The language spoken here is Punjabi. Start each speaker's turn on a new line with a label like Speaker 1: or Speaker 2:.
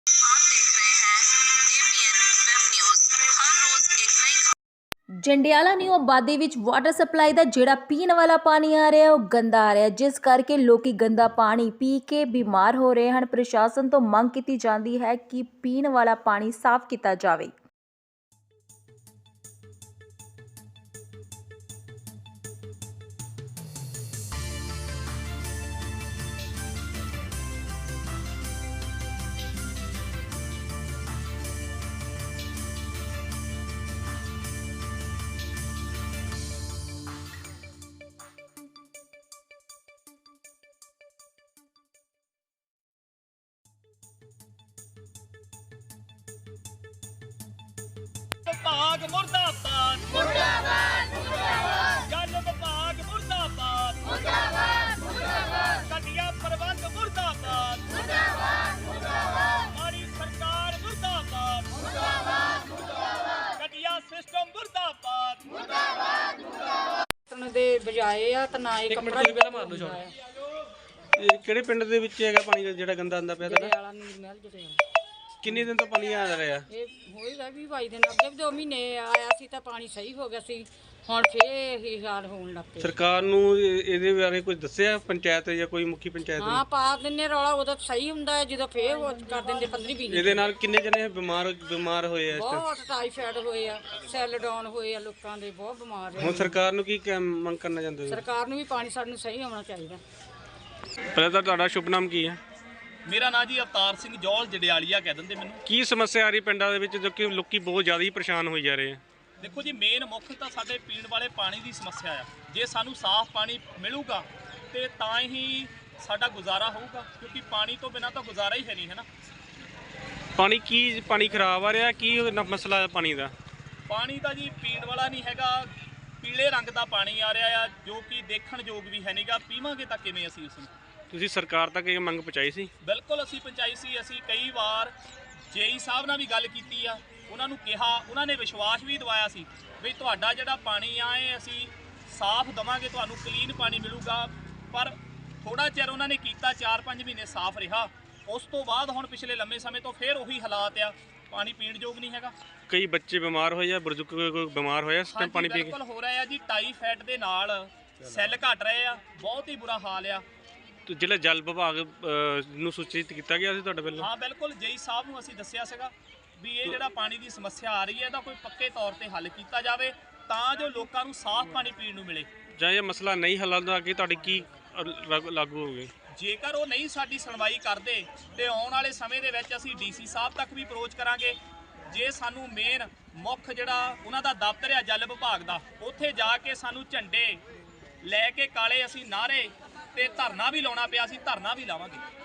Speaker 1: ਜੰਡਿਆਲਾ ਨਿਊ ਆਬਾਦੀ ਵਿੱਚ ਵਾਟਰ ਸਪਲਾਈ ਦਾ ਜਿਹੜਾ ਪੀਣ ਵਾਲਾ ਪਾਣੀ ਆ ਰਿਹਾ ਉਹ ਗੰਦਾ ਆ ਰਿਹਾ, ਜਿਸ ਕਰਕੇ ਲੋਕੀ ਗੰਦਾ ਪਾਣੀ ਪੀ ਕੇ ਬਿਮਾਰ ਹੋ ਰਹੇ ਹਨ। ਪ੍ਰਸ਼ਾਸਨ ਤੋਂ ਮੰਗ ਕੀਤੀ ਜਾਂਦੀ ਹੈ ਕਿ ਪੀਣ ਵਾਲਾ ਪਾਣੀ ਸਾਫ਼ ਕੀਤਾ ਜਾਵੇ।
Speaker 2: विभाग मुर्दाबाद मुर्दाबाद मुर्दाबाद जल विभाग मुर्दाबाद मुर्दाबाद मुर्दाबाद घटिया प्रबंध मुर्दाबाद मुर्दाबाद मुर्दाबाद हमारी सरकार मुर्दाबाद मुर्दाबाद मुर्दाबाद घटिया सिस्टम मुर्दाबाद मुर्दाबाद मुर्दाबाद
Speaker 3: ਦੇ ਬਜਾਏ ਆ ਤਾਂ ਨਾ ਹੀ ਕੱਪੜਾ
Speaker 4: ਪਹਿਲਾਂ ਮਾਰ ਲਓ ਸ਼ਾਟ। ਇਹ ਕਿਹੜੇ ਪਿੰਡ ਦੇ ਵਿੱਚ ਹੈਗਾ ਪਾਣੀ ਜਿਹੜਾ ਗੰਦਾ ਆਂਦਾ ਪਿਆ ਤੁਹਾਡਾ?
Speaker 3: ਵਾਲਾ ਨੀਰ ਮਹਿਲ ਜਿਹੜੇ
Speaker 4: ਕਿੰਨੇ ਦਿਨ ਤੋਂ ਪਾਣੀ ਆ ਰਿਹਾ?
Speaker 3: ਇਹ ਹੋਏਗਾ ਵੀ 22 ਦਿਨ ਅੱਗੇ ਵੀ 2 ਮਹੀਨੇ ਆਇਆ ਸੀ ਤਾਂ ਪਾਣੀ ਸਹੀ ਹੋ ਗਿਆ ਸੀ, ਹੁਣ ਫੇਰ ਇਹੀ ਹਾਲ ਹੋਣ ਲੱਗ ਪਿਆ।
Speaker 4: ਸਰਕਾਰ ਨੂੰ ਇਹਦੇ ਬਾਰੇ ਕੁਝ ਦੱਸਿਆ ਪੰਚਾਇਤ ਜਾਂ ਕੋਈ ਮੁਖੀ ਪੰਚਾਇਤ
Speaker 3: ਹਾਂ
Speaker 4: ਨੇ?
Speaker 3: ਪਾ ਦਿੰਨੇ ਰੌਲਾ, ਉਦੋਂ ਸਹੀ ਹੁੰਦਾ ਹੈ ਜਦੋਂ ਫੇਰ ਉਹ ਕਰ ਦਿੰਦੇ 15-20 ਦਿਨ।
Speaker 4: ਇਹਦੇ ਨਾਲ ਕਿੰਨੇ ਜਣੇ ਬਿਮਾਰ ਹੋਏ ਆ ਇਸ ਟਾਈਮ?
Speaker 3: ਬਹੁਤ ਟਾਈਫਾਇਡ ਹੋਏ ਆ, ਸੈੱਲ ਡਾਊਨ ਹੋਏ ਆ, ਲੋਕਾਂ ਦੇ ਬਹੁਤ ਬਿਮਾਰ
Speaker 4: ਹੁਣ
Speaker 3: ਆ।
Speaker 4: ਸਰਕਾਰ ਨੂੰ ਕੀ ਮੰਗ ਕਰਨਾ ਚਾਹੁੰਦੇ ਹੋ?
Speaker 3: ਸਰਕਾਰ ਨੂੰ ਵੀ ਪਾਣੀ ਸਾਨੂੰ ਸਹੀ ਆਉਣਾ ਚਾਹੀਦਾ।
Speaker 4: ਪਹਿਲਾਂ ਤਾਂ ਤੁਹਾਡਾ ਸ਼ੁਭ ਨਾਮ ਕੀ ਹੈ?
Speaker 2: ਮੇਰਾ ਨਾਂ ਜੀ ਅਵਤਾਰ ਸਿੰਘ ਜੌਲ ਜੜਿਆਲੀਆ ਕਹਿ ਦਿੰਦੇ ਮੈਨੂੰ।
Speaker 4: ਕੀ ਸਮੱਸਿਆ ਆ ਰਹੀ ਪਿੰਡਾਂ ਦੇ ਵਿੱਚ ਜੋ ਕਿ ਲੋਕੀ ਬਹੁਤ ਜ਼ਿਆਦਾ ਹੀ ਪਰੇਸ਼ਾਨ ਹੋਈ ਜਾ ਰਹੇ ਆ?
Speaker 2: ਦੇਖੋ ਜੀ, ਮੇਨ ਮੁੱਖ ਤਾਂ ਸਾਡੇ ਪੀਣ ਵਾਲੇ ਪਾਣੀ ਦੀ ਸਮੱਸਿਆ ਆ। ਜੇ ਸਾਨੂੰ ਸਾਫ਼ ਪਾਣੀ ਮਿਲੂਗਾ ਤੇ ਤਾਂ ਹੀ ਸਾਡਾ ਗੁਜ਼ਾਰਾ ਹੋਊਗਾ, ਕਿਉਂਕਿ ਪਾਣੀ ਤੋਂ ਬਿਨਾਂ ਤਾਂ ਗੁਜ਼ਾਰਾ ਹੀ ਹੈ ਨਹੀਂ, ਹੈ ਨਾ।
Speaker 4: ਪਾਣੀ ਖਰਾਬ ਆ ਰਿਹਾ? ਕੀ ਮਸਲਾ ਹੈ ਪਾਣੀ ਦਾ?
Speaker 2: ਪਾਣੀ ਦਾ ਜੀ ਪੀਣ ਵਾਲਾ ਨਹੀਂ ਹੈਗਾ, ਪੀਲੇ ਰੰਗ ਦਾ ਪਾਣੀ ਆ ਰਿਹਾ ਆ, ਜੋ ਕਿ ਦੇਖਣ ਯੋਗ ਵੀ ਹੈ ਨਹੀਂਗਾ। ਪੀਵਾਂਗੇ ਤਾਂ ਕਿਵੇਂ ਅਸੀਂ ਉਸ ਨੂੰ?
Speaker 4: ਤੁਸੀਂ ਸਰਕਾਰ ਤੱਕ ਇਹ ਮੰਗ ਪਹੁੰਚਾਈ ਸੀ?
Speaker 2: ਬਿਲਕੁਲ ਅਸੀਂ ਪਹੁੰਚਾਈ ਸੀ। ਅਸੀਂ ਕਈ ਵਾਰ ਜੇਈ ਸਾਹਿਬ ਨਾਲ ਵੀ ਗੱਲ ਕੀਤੀ ਆ, ਉਹਨਾਂ ਨੂੰ ਕਿਹਾ, ਉਹਨਾਂ ਨੇ ਵਿਸ਼ਵਾਸ ਵੀ ਦਿਵਾਇਆ ਸੀ ਵੀ ਤੁਹਾਡਾ ਜਿਹੜਾ ਪਾਣੀ ਆ ਇਹ ਅਸੀਂ ਸਾਫ਼ ਦੇਵਾਂਗੇ, ਤੁਹਾਨੂੰ ਕਲੀਨ ਪਾਣੀ ਮਿਲੂਗਾ। ਪਰ ਥੋੜਾ ਚਿਰ ਉਹਨਾਂ ਨੇ ਕੀਤਾ, 4-5 ਮਹੀਨੇ ਸਾਫ਼ ਰਿਹਾ। ਉਸ ਤੋਂ ਬਾਅਦ ਹੁਣ ਪਿਛਲੇ ਲੰਮੇ ਸਮੇਂ ਤੋਂ ਫਿਰ ਉਹੀ ਹਾਲਾਤ ਆ, ਪਾਣੀ ਪੀਣ ਯੋਗ ਨਹੀਂ ਹੈਗਾ।
Speaker 4: ਕਈ ਬੱਚੇ ਬਿਮਾਰ ਹੋਏ ਜਾਂ ਬਜ਼ੁਰਗ ਕੋਈ ਬਿਮਾਰ ਹੋਇਆ ਇਸ ਟਾਈਮ ਪਾਣੀ ਪੀ ਕੇ?
Speaker 2: ਬਿਲਕੁਲ ਹੋ ਰਿਹਾ ਆ ਜੀ, ਟਾਈਫਾਇਡ ਦੇ ਨਾਲ ਸੈੱਲ ਘਟ ਰਹੇ ਆ, ਬਹੁਤ ਹੀ ਬੁਰਾ ਹਾਲ ਆ।
Speaker 4: ਤੇ ਜਿਹੜਾ ਜਲ ਵਿਭਾਗ ਨੂੰ ਸੂਚਿਤ ਕੀਤਾ ਗਿਆ ਸੀ ਤੁਹਾਡੇ ਵੱਲੋਂ?
Speaker 2: ਹਾਂ ਬਿਲਕੁਲ, ਜੇਈ ਸਾਹਿਬ ਨੂੰ ਅਸੀਂ ਦੱਸਿਆ ਸੀਗਾ ਵੀ ਇਹ ਜਿਹੜਾ ਪਾਣੀ ਦੀ ਸਮੱਸਿਆ ਆ ਰਹੀ ਹੈ ਇਹਦਾ ਕੋਈ ਪੱਕੇ ਤੌਰ ਤੇ ਹੱਲ ਕੀਤਾ ਜਾਵੇ ਤਾਂ ਜੋ ਲੋਕਾਂ ਨੂੰ ਸਾਫ਼ ਪਾਣੀ ਪੀਣ ਨੂੰ ਮਿਲੇ।
Speaker 4: ਜਾਂ ਇਹ ਮਸਲਾ ਨਹੀਂ ਹੱਲ ਹੁੰਦਾ ਕਿ ਤੁਹਾਡੀ ਕੀ ਲਾਗੂ ਹੋਵੇ?
Speaker 2: ਜੇਕਰ ਉਹ ਨਹੀਂ ਸਾਡੀ ਸੁਣਵਾਈ ਕਰਦੇ ਤੇ ਆਉਣ ਵਾਲੇ ਸਮੇਂ ਦੇ ਵਿੱਚ ਅਸੀਂ ਡੀਸੀ ਸਾਹਿਬ ਤੱਕ ਵੀ ਅਪਰੋਚ ਕਰਾਂਗੇ। ਜੇ ਸਾਨੂੰ ਮੇਨ ਮੁੱਖ ਜਿਹੜਾ ਉਹਨਾਂ ਦਾ ਦਫ਼ਤਰ ਆ ਜਲ ਵਿਭਾਗ ਦਾ, ਉੱਥੇ ਜਾ ਕੇ ਸਾਨੂੰ ਝੰਡੇ ਲੈ ਕੇ ਕਾਲੇ ਅਸੀਂ ਨਾਅਰੇ ਤੇ ਧਰਨਾ ਵੀ ਲਾਉਣਾ ਪਿਆ, ਅਸੀਂ ਧਰਨਾ ਵੀ ਲਾਵਾਂਗੇ।